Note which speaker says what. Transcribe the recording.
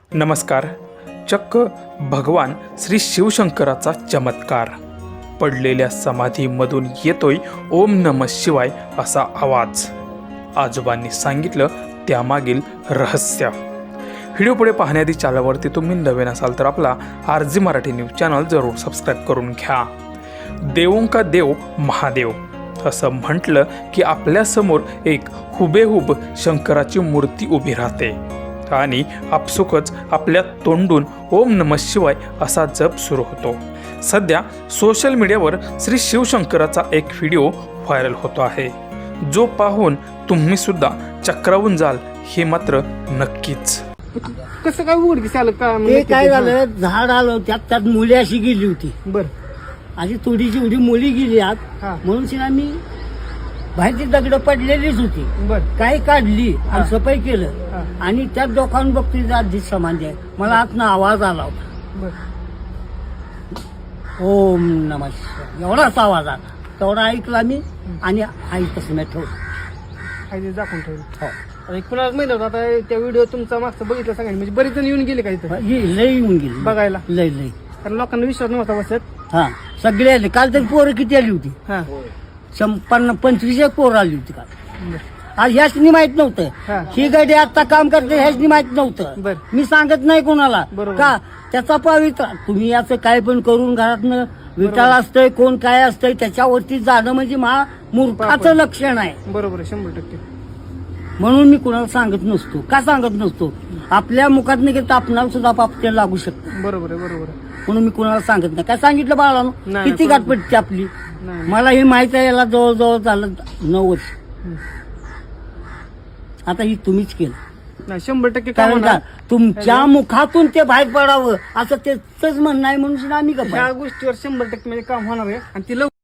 Speaker 1: नमस्कार. चक्क भगवान श्री शिवशंकराचा चमत्कार. पडलेल्या समाधीमधून येतोय ओम नमः शिवाय असा आवाज. आजोबांनी सांगितलं त्यामागील रहस्य. व्हिडिओ पुढे पाहण्याआधी चॅनलवरती तुम्ही नवीन असाल तर आपला RG मराठी न्यूज चॅनल जरूर सबस्क्राईब करून घ्या. देवों का देव महादेव असं म्हटलं की आपल्यासमोर एक हुबेहूब शंकराची मूर्ती उभी राहते आणि आपसुकच आपल्या तोंडून ओम नमः शिवाय असा जप सुरू होतो. सध्या सोशल मीडियावर श्री शिवशंकराचा एक व्हिडिओ व्हायरल होतो आहे, जो पाहून तुम्ही सुद्धा चक्रावून जाल हे मात्र नक्कीच.
Speaker 2: कसं काय उघडकीस आलं का?
Speaker 3: ते काय झालं, झाड आलं त्यात मुली अशी गेली होती.
Speaker 2: बर
Speaker 3: अशी थोडीशी एवढी मुली गेली आत,
Speaker 2: हा.
Speaker 3: म्हणून आम्ही बाहेरची दगड पडलेलीच होती,
Speaker 2: बर
Speaker 3: काही काढली
Speaker 2: हा.
Speaker 3: आणि सफाई केलं
Speaker 2: हा.
Speaker 3: आणि त्यात डोकावून बघतोय आधी समाधी आहे. मला आतनं आवाज आला होता,
Speaker 2: बर
Speaker 3: ओम नमः शिवाय एवढाच आवाज आला. तेवढा ऐकला मी आणि आई तसं मी ठेवलं.
Speaker 2: काय ते दाखवून ठेवलं.
Speaker 3: हो.
Speaker 2: आता कुणाला माहिती होतं आता त्या व्हिडिओ तुमचा मागचा बघितला सांगायला, म्हणजे बरेच जण येऊन गेले का इथं
Speaker 3: ही लई येऊन गेली
Speaker 2: बघायला?
Speaker 3: लई लई.
Speaker 2: कारण लोकांना विश्वास नव्हता बसत.
Speaker 3: हा, सगळे आले. काल तरी पोरं किती आली होती?
Speaker 2: हा
Speaker 3: 25 पोरं आली होती काल.
Speaker 2: बर
Speaker 3: आज ह्याचनी माहित
Speaker 2: हा.
Speaker 3: नव्हतं ही गाडी आता काम करते, ह्याचनी माहित नव्हतं.
Speaker 2: बर.
Speaker 3: मी सांगत नाही कोणाला
Speaker 2: बरोबर.
Speaker 3: का त्याचा पवित्र तुम्ही याचं काय पण करून घरातनं विटाळ असतंय, कोण काय असतंय त्याच्यावरती जाणं म्हणजे मूर्खाचं लक्षण आहे.
Speaker 2: बरोबर आहे, 100%.
Speaker 3: म्हणून मी कुणाला सांगत नसतो. का सांगत नसतो? आपल्या मुखात नाही की आपणाला सुद्धा पापते लागू शकतं,
Speaker 2: बरोबर आहे, बरोबर आहे.
Speaker 3: म्हणून मी कुणाला सांगत नाही. काय सांगितलं बाळानो?
Speaker 2: नाही,
Speaker 3: किती
Speaker 2: बरोबर.
Speaker 3: गाठपटची आपली.
Speaker 2: नाही.
Speaker 3: मला हे माहित आहे, याला जवळजवळ झालं 9 वर्ष. आता ही तुम्हीच केलं,
Speaker 2: नाही 100% काम
Speaker 3: कारण का
Speaker 2: होणार.
Speaker 3: तुमच्या मुखातून ते बाहेर पडावं असं त्याच म्हणणं आहे, म्हणून आम्ही गप्प आहे.
Speaker 2: ह्या गोष्टीवर 100% म्हणजे काम होणार आहे आणि ती